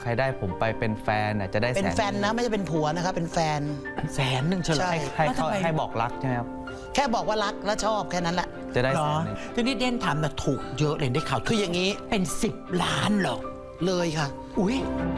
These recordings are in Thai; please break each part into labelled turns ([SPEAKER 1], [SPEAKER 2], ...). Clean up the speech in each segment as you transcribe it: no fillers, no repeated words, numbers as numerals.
[SPEAKER 1] ใครได้ผมไปเป็นแฟนจะได้
[SPEAKER 2] เป็นแฟนนะไม่ใช่เป็นผัวนะครับเป็นแฟน
[SPEAKER 3] 100,000เฉลย
[SPEAKER 1] ให้บอกรักใช่ไหมครับ
[SPEAKER 2] แค่บอกว่ารักและชอบแค่นั้นแหละ
[SPEAKER 1] จะได้100,000
[SPEAKER 3] ทีนี้เด่นถามนะถูกเยอะเลยได้ข่าว
[SPEAKER 2] คืออย่างนี้
[SPEAKER 3] เป็น10 ล้านเหรอ
[SPEAKER 2] เลยค่ะ
[SPEAKER 3] อุ้ย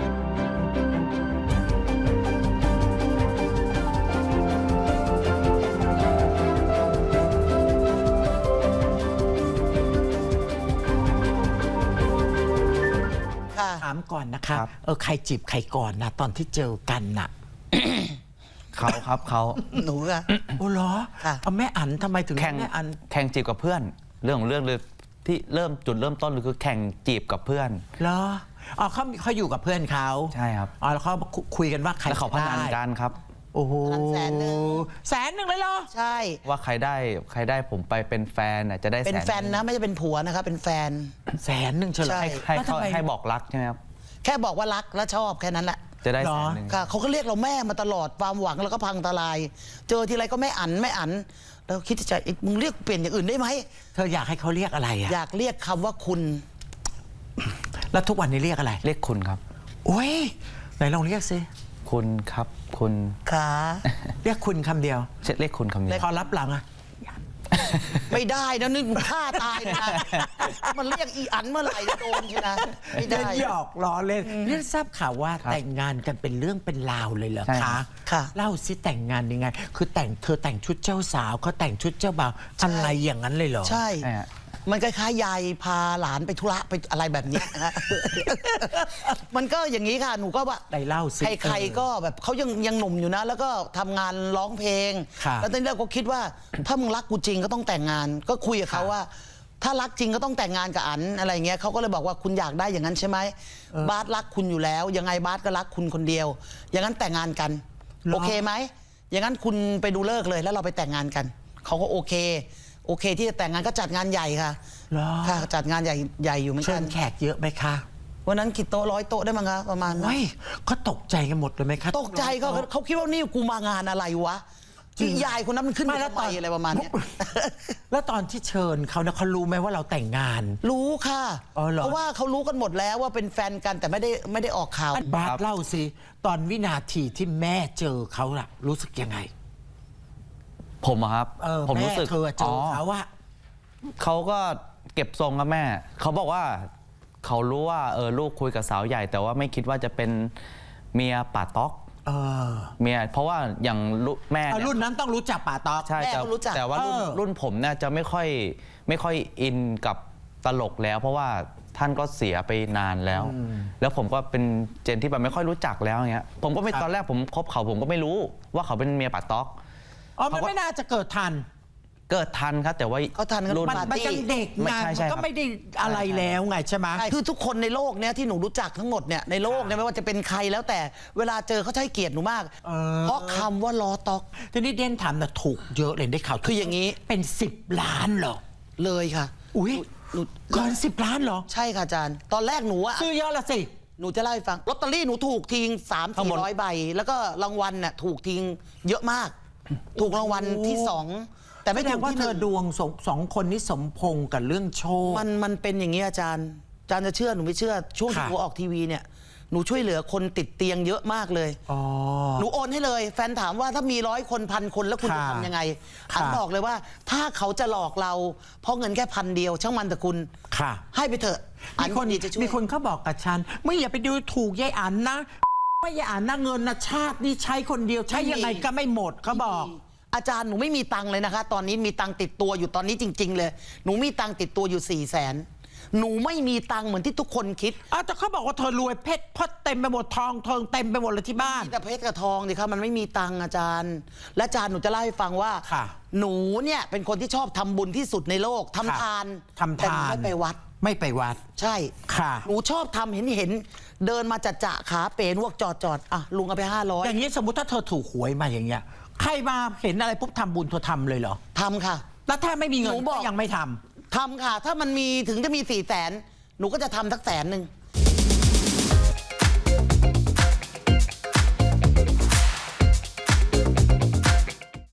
[SPEAKER 3] ถามก่อนนะคะใครจีบใครก่อนนะตอนที่เจอกันน่ะ
[SPEAKER 1] เขาครับเขา
[SPEAKER 2] หนูอะ
[SPEAKER 3] โอ้เหรอเอาแม่อันทำไมถึงแม่อัน
[SPEAKER 1] แข่งจีบกับเพื่อนเรื่องเลยที่จุดเริ่มต้นเลยคือแข่งจีบกับเพื่อน
[SPEAKER 3] เหรออ๋อเขาอยู่กับเพื่อนเขา
[SPEAKER 1] ใช่ครับ
[SPEAKER 3] อ๋อแล้วเขาคุยกันว่าใคร
[SPEAKER 1] แล้วเขาพนันกันครับ
[SPEAKER 3] โอ้โห100,000เลยเหรอ
[SPEAKER 2] ใช่
[SPEAKER 1] ว่าใครได้ผมไปเป็นแฟนจะได้
[SPEAKER 2] เป็นแฟนนะไม่ใช่เป็นผัวนะครับเป็นแฟน
[SPEAKER 3] 100,000เฉลย
[SPEAKER 1] ให้บอกรักใช่ไหมครับ
[SPEAKER 2] แค่บอกว่ารักและชอบแค่นั้นแหละ
[SPEAKER 1] จะได้100,000
[SPEAKER 2] ค่ะเขาก็เรียกเราแม่มาตลอดความหวังแล้วก็พังทลายเจอทีไรก็ไม่อันแล้วคิดจะมึงเรียกเปลี่ยนอย่างอื่นได้ไหม
[SPEAKER 3] เธออยากให้เขาเรียกอะไร
[SPEAKER 2] อยากเรียกคำว่าคุณ
[SPEAKER 3] แล้วทุกวันนี้เรียกอะไร
[SPEAKER 1] เรียกคุณครับ
[SPEAKER 3] โอ้ยไหนลองเรียกสิ
[SPEAKER 1] คุณครับคุณ
[SPEAKER 2] ค่ะ
[SPEAKER 3] เรียกคุณคำเดียว
[SPEAKER 1] เรียกคุณคำเดียว
[SPEAKER 3] พอรับหลังอะ
[SPEAKER 2] ไม่ได้นะนึกฆ่าตายนะมันเรียกอีอันเมื่อไหร่จะโดนใช่ไหมไม่ได้
[SPEAKER 3] หยอกล้อเล่นนี่ทราบข่าวว่าแต่งงานกันเป็นเรื่องเป็นราวเลยเหรอคะ
[SPEAKER 2] ค่ะ
[SPEAKER 3] เล่าสิแต่งงานยังไงคือเธอแต่งชุดเจ้าสาวเขาแต่งชุดเจ้าบ่าวอะไรอย่างนั้นเลยเหรอ
[SPEAKER 2] ใช่มันคล้ายๆยายพาหลานไปธุระไปอะไรแบบนี้ฮะมันก็อย่างนี้ค่ะหนูก็ว่า
[SPEAKER 3] ได้เล่าสิ
[SPEAKER 2] ใครๆก็แบบเขายังหนุ่มอยู่นะแล้วก็ทำงานร้องเพลงแล้วตอนนี้เราก็คิดว่าถ้ามึงรักกูจริงก็ต้องแต่งงานก็คุยกับเขาว่าถ้ารักจริงก็ต้องแต่งงานกับอันอะไรเงี้ยเขาก็เลยบอกว่าคุณอยากได้อย่างนั้นใช่ไหมบาสรักคุณอยู่แล้วยังไงบาสก็รักคุณคนเดียวอย่างนั้นแต่งงานกันโอเคไหมอย่างนั้นคุณไปดูเลิกเลยแล้วเราไปแต่งงานกันเขาก็โอเคที่จะแต่งงานก็จัดงานใหญ่ค่ะค่ะจัดงานใหญ่อยู่เหมือนกัน
[SPEAKER 3] แขกเยอะไหมคะ
[SPEAKER 2] วันนั้นกี่โต๊ะ100 โต๊ะได้มั้งคะประมาณนั้น
[SPEAKER 3] เขาตกใจกันหมดเลยไหมคะ
[SPEAKER 2] ตกใจเขาคิดว่านี่กูมางานอะไรวะที่ยายคนนั้นมันขึ้นมาทำไมอะไรประมาณนี้
[SPEAKER 3] แล้วตอนที่เชิญเขาเนี่ยเขารู้ไหมว่าเราแต่งงาน
[SPEAKER 2] รู้ค่ะเพราะว่าเขารู้กันหมดแล้วว่าเป็นแฟนกันแต่ไม่ได้ออกข่าว
[SPEAKER 3] บาสเล่าสิตอนวินาทีที่แม่เจอเขาล่ะรู้สึกยังไง
[SPEAKER 1] ผมครับผมรู้สึก
[SPEAKER 3] เธอเจอเขาว่า
[SPEAKER 1] เขาก็เก็บทรงกับแม่เขาบอกว่าเขารู้ว่าลูกคุยกับสาวใหญ่แต่ว่าไม่คิดว่าจะเป็นเมียป่าต๊อกเมียเพราะว่าอย่างแม่
[SPEAKER 3] รุ่นนั้นต้องรู้จักป่าต๊อก
[SPEAKER 1] ใช่แต่ว่ารุ่นผมเนี่ยจะไม่ค่อยอินกับตลกแล้วเพราะว่าท่านก็เสียไปนานแล้วผมก็เป็นเจนที่แบบไม่ค่อยรู้จักแล้วเงี้ยผมก็ไม่ตอนแรกผมคบเขาผมก็ไม่รู้ว่าเขาเป็นเมียป่าต๊อก
[SPEAKER 3] มันไม่น่าจะเกิดทัน
[SPEAKER 1] ครับแต่ว่า
[SPEAKER 2] เขาทันกัน
[SPEAKER 3] มันยังเด็กไงมันก็ไม่ได้อะไรแล้วไงใช่ไหม
[SPEAKER 2] คือทุกคนในโลกเนี้ยที่หนูรู้จักทั้งหมดเนี่ยในโลกเนี่ยไม่ว่าจะเป็นใครแล้วแต่เวลาเจอเขาใช้เกียรติหนูมากเพราะคำว่าล้อต๊อก
[SPEAKER 3] ทีนี้เด่นถามนะถูกเยอะเลยได้ข่าว
[SPEAKER 2] คืออย่างนี้
[SPEAKER 3] เป็น10 ล้านเหรอ
[SPEAKER 2] เลยค่ะ
[SPEAKER 3] อุ้ยเกิน10 ล้านเหรอ
[SPEAKER 2] ใช่ค่ะอาจารย์ตอนแรกหนูอะ
[SPEAKER 3] ซื้อเยอะละสิ
[SPEAKER 2] หนูจะเล่าให้ฟังลอตเตอรี่หนูถูกทิ้ง300-400 ใบแล้วก็รางวัลน่ะถูกทิ้งเยอะมากถูกรางวัลที่2แต่ไม่ถูก
[SPEAKER 3] ว่าเธอดวง2 คนนี้สมพงกับเรื่องโชค
[SPEAKER 2] มันเป็นอย่างนี้อาจารย์จะเชื่อหนูไม่เชื่อช่วงที่หนูออกทีวีเนี่ยหนูช่วยเหลือคนติดเตียงเยอะมากเลยหนูโอนให้เลยแฟนถามว่าถ้ามี100 คน1,000 คนแล้วคุณจะทำยังไงอันบอกเลยว่าถ้าเขาจะหลอกเราเพราะเงินแค่1,000 เดียวช่างมันแต่คุณให้ไปเถอะ
[SPEAKER 3] มีคนเขาบอกกับฉันไม่อย่าไปดูถูกยายอันนะไม่ยายอันนะเงินนะชาตินี่ใช้คนเดียวใช้ยังไงก็ไม่หมดเขาบอก
[SPEAKER 2] อาจารย์หนูไม่มีตังค์เลยนะคะตอนนี้มีตังค์ติดตัวอยู่ตอนนี้จริงๆเลยหนูมีตังค์ติดตัวอยู่400,000หนูไม่มีตังค์เหมือนที่ทุกคนคิด
[SPEAKER 3] แต่เขาบอกว่าเธอรวยเพชรพดเต็มไปหมดทองเต็มไปหมดเลยที่บ้าน
[SPEAKER 2] แต่เพชรกับทองดิครับมันไม่มีตังค์อาจารย์และอาจารย์หนูจะเล่าให้ฟังว่าหนูเนี่ยเป็นคนที่ชอบทำบุญที่สุดในโลกทำทานแต่ไม่ไปวัดใช่
[SPEAKER 3] ค่ะ
[SPEAKER 2] หนูชอบทำเห็นเดินมาจะขาเป๋นวกจอดอ่ะลุงเอาไป500
[SPEAKER 3] อย่างนี้สมมติถ้าเธอถูกหวยมาอย่างเงี้ยใครมาเห็นอะไรปุ๊บทำบุญเธอทำเลยเหรอ
[SPEAKER 2] ทำค่ะ
[SPEAKER 3] แล้วถ้าไม่มีเงินก็ยังไม่ทำ
[SPEAKER 2] ค่ะถ้ามันมีถึงจะมี400,000หนูก็จะทำสัก100,000